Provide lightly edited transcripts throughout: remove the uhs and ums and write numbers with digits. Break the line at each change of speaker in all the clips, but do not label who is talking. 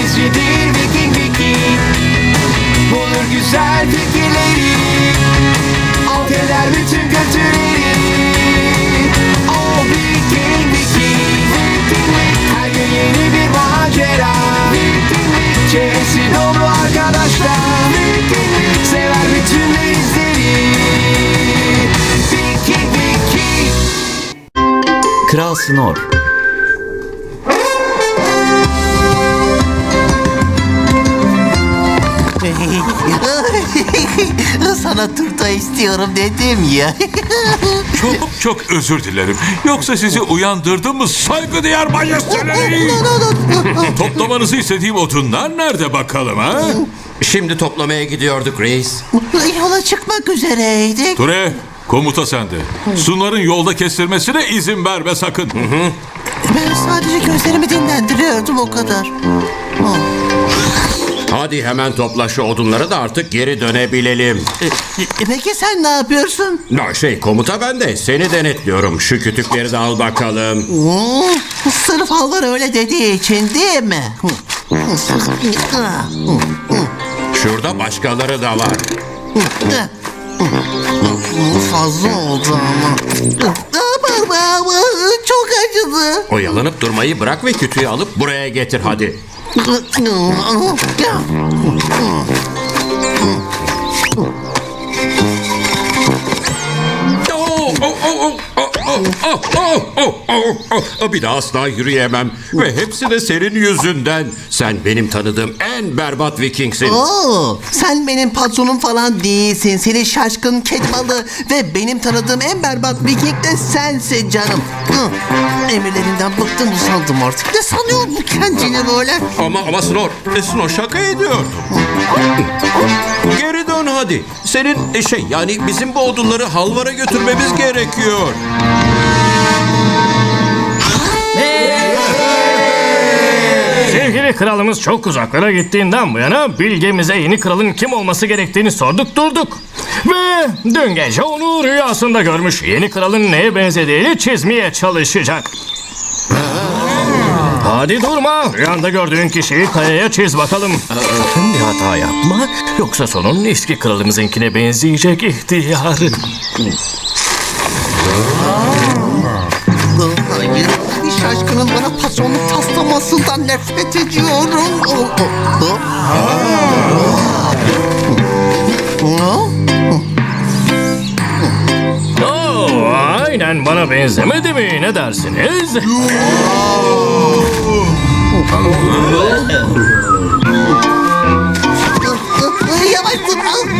denizcidir Viking Viking. Bulur güzel fikirleri, alt eder bütün kötüleri. O Viking Viking. Her gün yeni bir macera. Çevresi dolu arkadaşlar. Sever bütün denizleri. Viking Viking.
Kral Snor.
Sana turta istiyorum dedim ya.
Çok özür dilerim. Yoksa sizi uyandırdım mı saygıdeğer majesteleri? Toplamanızı istediğim odunlar nerede bakalım ha?
Şimdi toplamaya gidiyorduk reis.
Yola çıkmak üzereydik.
Ture, komuta sende. Sunar'ın yolda kestirmesine izin verme sakın.
Ben sadece gözlerimi dinlendiriyordum, o kadar.
Hadi hemen topla şu odunları da artık geri dönebilelim.
Peki sen ne yapıyorsun?
Komuta ben de seni denetliyorum. Şu kütükleri de al bakalım.
Sırf Halvar öyle dediği için değil mi?
Şurada başkaları da var.
Fazla oldu ama. Çok acıdı.
Oyalanıp durmayı bırak ve kütüğü alıp buraya getir hadi. Bir daha asla yürüyemem. Ve hepsi de senin yüzünden. Sen benim tanıdığım en berbat Vikingsin.
Sen benim patronum falan değilsin. Seni şaşkın kedi balığı ve benim tanıdığım en berbat Viking de sensin canım. Emirlerinden bıktım, usandım artık. Ne sanıyor bu kendini böyle?
Ama Snor şaka ediyordum. Geri dön hadi. Senin yani bizim bu odunları Halvar'a götürmemiz gerekiyor.
Sevgili kralımız çok uzaklara gittiğinden bu yana bilgemize yeni kralın kim olması gerektiğini sorduk durduk. Ve dün gece onu rüyasında görmüş, yeni kralın neye benzediğini çizmeye çalışacak. Hadi durma, rüyanda gördüğün kişiyi kayaya çiz bakalım. Sakın bir hata yapma, yoksa sonun eski kralımızınkine benzeyecek ihtiyar.
Hayır, bir şaşkının bana patronluk taslamasından nefret ediyorum.
Aynen bana benzemedi mi? Ne dersiniz?
Yavaş dur.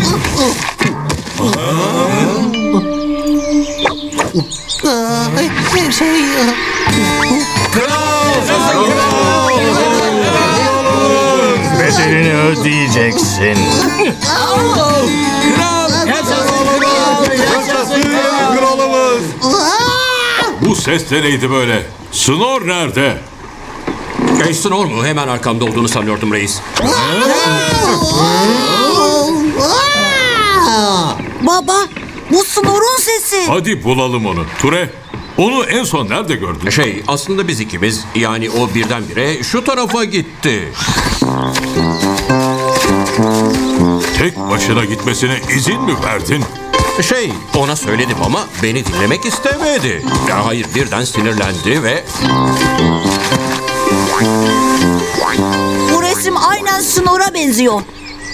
Bedelini ödeyeceksin.
Bu ses de neydi böyle? Snor nerede?
Snor mu? Hemen arkamda olduğunu sanıyordum reis.
Baba, bu Snor'un sesi.
Hadi bulalım onu. Ture, onu en son nerede gördün?
Aslında biz ikimiz, yani o birdenbire şu tarafa gitti.
Tek başına gitmesine izin mi verdin?
Ona söyledim ama beni dinlemek istemedi. Hayır, birden sinirlendi ve...
Bu resim aynen Snor'a benziyor.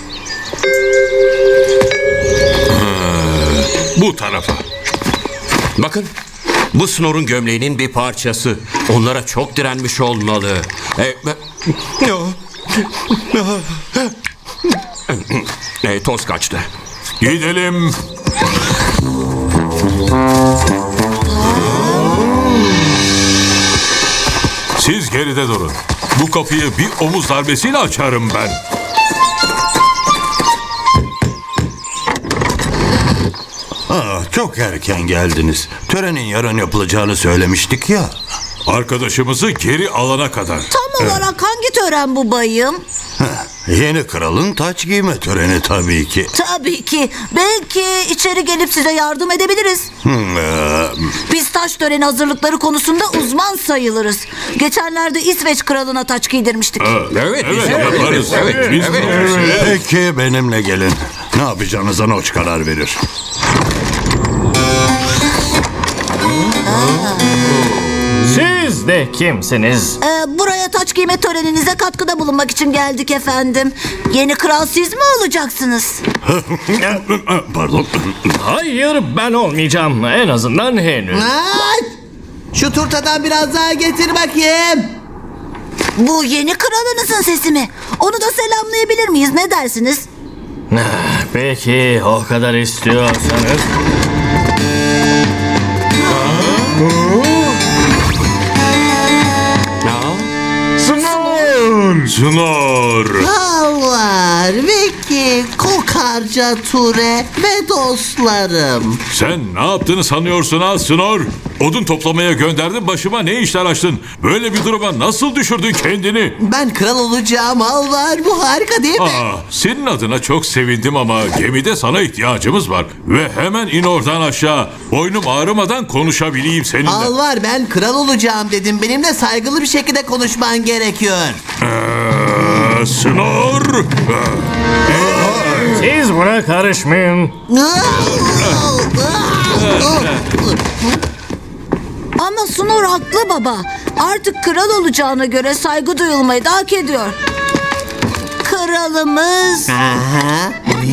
Bu tarafa.
Bakın, bu Snor'un gömleğinin bir parçası. Onlara çok direnmiş olmalı. Toz kaçtı.
Gidelim. Siz geride durun. Bu kapıyı bir omuz darbesiyle açarım ben.
Çok erken geldiniz. Törenin yarın yapılacağını söylemiştik ya.
Arkadaşımızı geri alana kadar.
Tam olarak hangi tören bu bayım?
Yeni kralın taç giyme töreni tabii ki.
Tabii ki. Belki içeri gelip size yardım edebiliriz. Biz taç töreni hazırlıkları konusunda uzman sayılırız. Geçenlerde İsveç kralına taç giydirmiştik.
Evet, biz
Evet, yaparız.
Evet,
Biz
evet.
yaparız.
Peki benimle gelin. Ne yapacağınıza Noç karar verir.
Siz de kimsiniz?
Buraya taç giyme töreninize katkıda bulunmak için geldik efendim. Yeni kral siz mi olacaksınız?
Pardon.
Hayır, ben olmayacağım. En azından henüz.
Ay! Şu turtadan biraz daha getir bakayım.
Bu yeni kralınızın sesi mi? Onu da selamlayabilir miyiz? Ne dersiniz?
Peki, o kadar istiyorsanız.
Snor.
Halvar, Vicky, Kokarca Ture ve dostlarım.
Sen ne yaptığını sanıyorsun ha Snor? Odun toplamaya gönderdin, başıma ne işler açtın? Böyle bir duruma nasıl düşürdün kendini?
Ben kral olacağım Halvar. Bu harika değil mi?
Senin adına çok sevindim ama gemide sana ihtiyacımız var. Ve hemen in oradan aşağı. Boynum ağrımadan konuşabileyim seninle.
Halvar, ben kral olacağım dedim. Benimle saygılı bir şekilde konuşman gerekiyor.
Snor.
Siz buna karışmayın.
Ama Snor haklı baba. Artık kral olacağına göre saygı duyulmayı da hak ediyor. Kralımız...
Aha.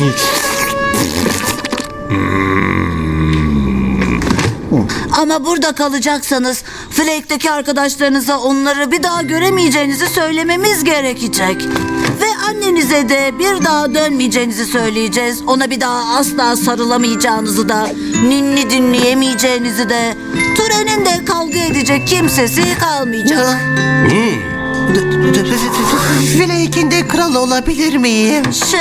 Ama burada kalacaksanız Flake'deki arkadaşlarınıza onları bir daha göremeyeceğinizi söylememiz gerekecek. Ve annenize de bir daha dönmeyeceğinizi söyleyeceğiz. Ona bir daha asla sarılamayacağınızı da, ninni dinleyemeyeceğinizi de, Ture'nin de kavga edecek kimsesi kalmayacak.
Flake'in de kral olabilir miyim?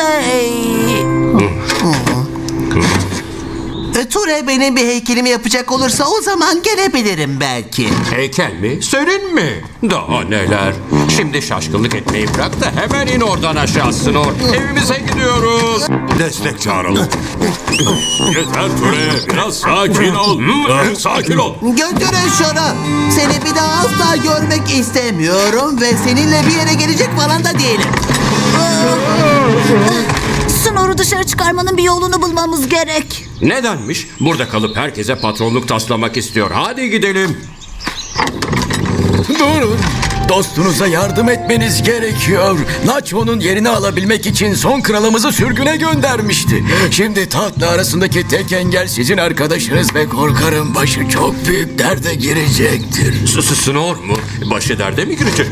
Ture benim bir heykelimi yapacak olursa o zaman gelebilirim belki.
Heykel mi? Senin mi? Daha neler? Şimdi şaşkınlık etmeyi bırak da hemen in oradan aşağı Snor. Evimize gidiyoruz.
Destek çağıralım.
Yeter Ture, biraz sakin ol. Sakin ol.
Götürün şunu. Seni bir daha asla görmek istemiyorum ve seninle bir yere gelecek falan da değilim.
Snor'u dışarı çıkarmanın bir yolunu bulmamız gerek.
Nedenmiş? Burada kalıp herkese patronluk taslamak istiyor. Hadi gidelim.
Durun. Dostunuza yardım etmeniz gerekiyor. Nacho'nun yerini alabilmek için son kralımızı sürgüne göndermişti. Şimdi tahtla arasındaki tek engel sizin arkadaşınız ve korkarım başı çok büyük derde girecektir.
Snor mu? Başı derde mi girecek?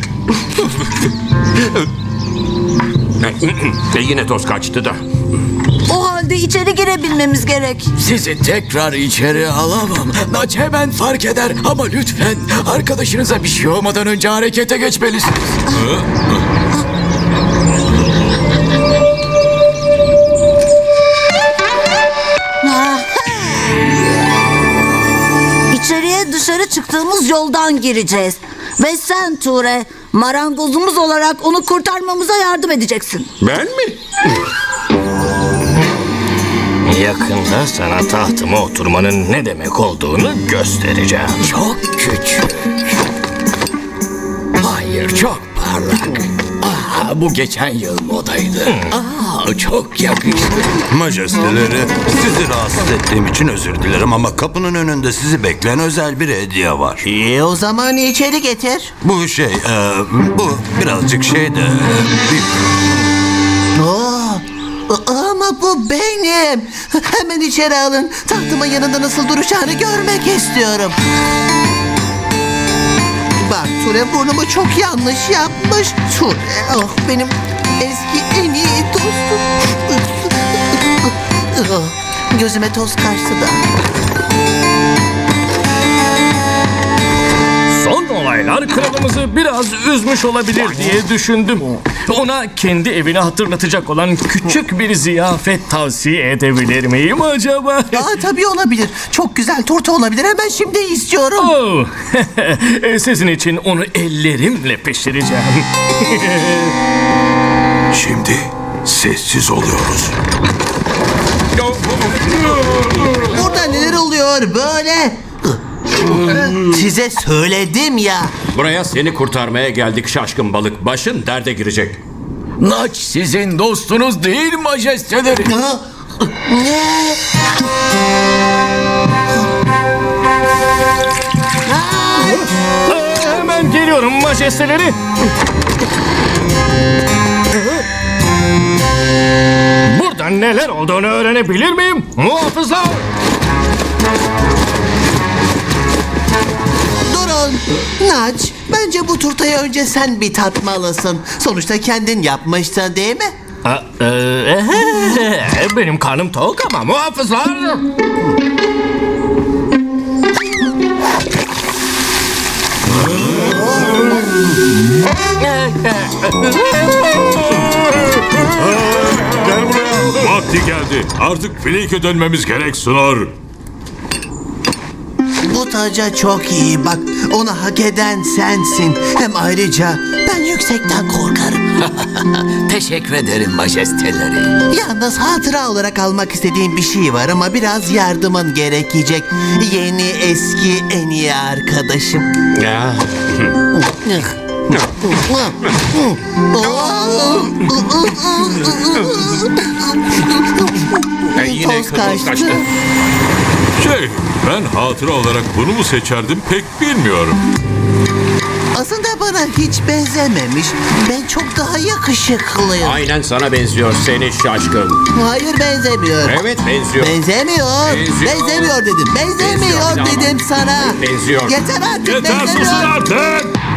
Yine toz kaçtı da.
O halde içeri girebilmemiz gerek.
Sizi tekrar içeri alamam. Nach hemen fark eder ama lütfen arkadaşınıza bir şey olmadan önce harekete geçmelisiniz.
İçeriye dışarı çıktığımız yoldan gireceğiz. Ve sen Ture, marangozumuz olarak onu kurtarmamıza yardım edeceksin.
Ben mi?
Yakında sana tahtıma oturmanın ne demek olduğunu göstereceğim.
Çok küçük. Hayır, çok parlak. Bu geçen yıl modaydı. Çok yakıştı.
Majesteleri, sizi rahatsız ettiğim için özür dilerim ama kapının önünde sizi bekleyen özel bir hediye var.
O zaman içeri getir.
Bu bu birazcık şey de büyük.
Ama bu benim. Hemen içeri alın. Tahtımın yanında nasıl duracağını görmek istiyorum. Bak Ture burnumu çok yanlış yapmış. Ture, benim eski en iyi dostum. Gözüme toz kaçtı da.
Son olaylar kralımızı biraz üzmüş olabilir diye düşündüm. Ona kendi evini hatırlatacak olan küçük bir ziyafet tavsiye edebilir miyim acaba?
Tabii olabilir. Çok güzel turta olabilir. Hemen şimdi istiyorum.
Oh, sizin için onu ellerimle pişireceğim.
Şimdi sessiz oluyoruz.
Burada neler oluyor böyle? Size söyledim ya.
Buraya seni kurtarmaya geldik şaşkın balık. Başın derde girecek.
Naç sizin dostunuz değil majesteleri.
Ne?
Hemen geliyorum majesteleri. Burada neler olduğunu öğrenebilir miyim? Muhafızlar!
Durun. Naç, bence bu turtayı önce sen bir tatmalısın. Sonuçta kendin yapmıştın değil mi?
Benim karnım tok ama muhafızlar!
Gel buraya. Vakti geldi. Artık Flake'e dönmemiz gerek Snor.
Bu taca çok iyi bak. Onu hak eden sensin. Hem ayrıca ben yüksekten korkarım.
Teşekkür ederim majesteleri.
Yalnız hatıra olarak almak istediğim bir şey var ama biraz yardımın gerekecek. Yeni eski en iyi arkadaşım.
Ya. Yine
Toz kaçtı.
Ben hatıra olarak bunu mu seçerdim pek bilmiyorum.
Aslında bana hiç benzememiş. Ben çok daha yakışıklıyım.
Aynen sana benziyor seni şaşkın.
Hayır benzemiyor.
Evet benziyor.
Benzemiyor.
Benziyor.
Benzemiyor dedim. Benzemiyor
Benziyor.
dedim sana.
Benziyor.
Yeter artık
Yeter susun
benzemiyor.
artık.